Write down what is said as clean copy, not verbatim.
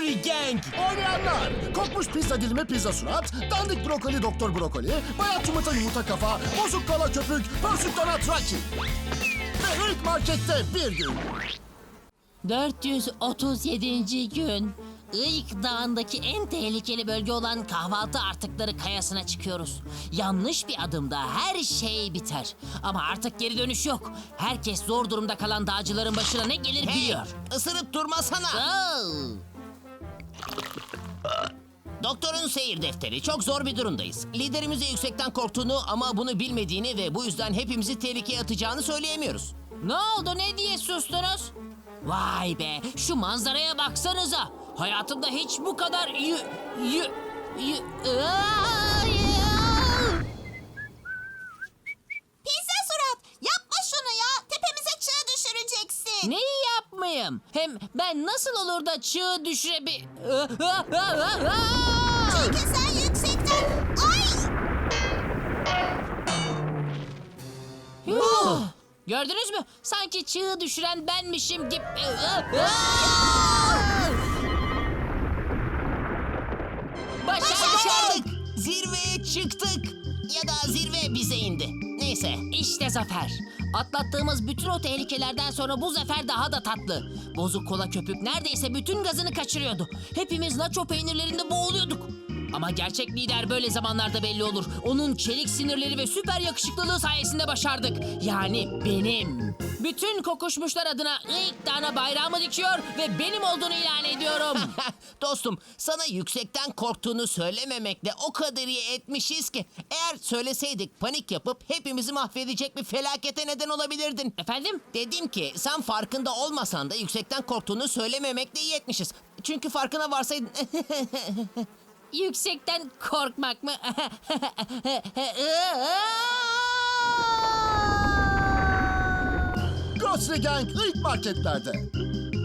Grocery Gang. Oynayanlar: kokmuş pizza dilimi pizza surat, dandik brokoli doktor brokoli, bayat yumurta kafa, bozuk kola köpük, pörsük donat Rocky. Ve ilk markette bir gün. 437. gün. Iğık Dağı'ndaki en tehlikeli bölge olan kahvaltı artıkları kayasına çıkıyoruz. Yanlış bir adımda her şey biter. Ama artık geri dönüş yok. Herkes zor durumda kalan dağcıların başına ne gelir biliyor. Isırıp durmasana. Oo! Doktorun seyir defteri. Çok zor bir durumdayız. Liderimize yüksekten korktuğunu ama bunu bilmediğini ve bu yüzden hepimizi tehlikeye atacağını söyleyemiyoruz. Ne oldu, ne diye sustunuz? Vay be, şu manzaraya baksanıza. Hayatımda hiç bu kadar Pizza surat, yapma şunu ya. Tepemize çığ düşüreceksin. Neyi yapmayayım? Hem ben nasıl olur da çığ düşürebi... Çünkü sen yüksekten... Ay! Yuh! Gördünüz mü? Sanki çığ düşüren benmişim gibi... Başardık! Zirveye çıktık. Ya da zirve bize indi. Neyse. İşte zafer. Atlattığımız bütün o tehlikelerden sonra bu zafer daha da tatlı. Bozuk kola köpük neredeyse bütün gazını kaçırıyordu. Hepimiz nacho peynirlerinde boğuluyorduk. Ama gerçek lider böyle zamanlarda belli olur. Onun çelik sinirleri ve süper yakışıklılığı sayesinde başardık. Yani benim. Bütün kokuşmuşlar adına ilk Dağı'na bayrağımı dikiyor ve benim olduğunu ilan ediyorum. Dostum, sana yüksekten korktuğunu söylememekle o kadar iyi etmişiz ki eğer söyleseydik panik yapıp hepimizi mahvedecek bir felakete neden olabilirdin. Efendim? Dedim ki sen farkında olmasan da yüksekten korktuğunu söylememekle iyi etmişiz. Çünkü farkına varsaydın... Yüksekten korkmak mı? Grocery Gang ilk marketlerde.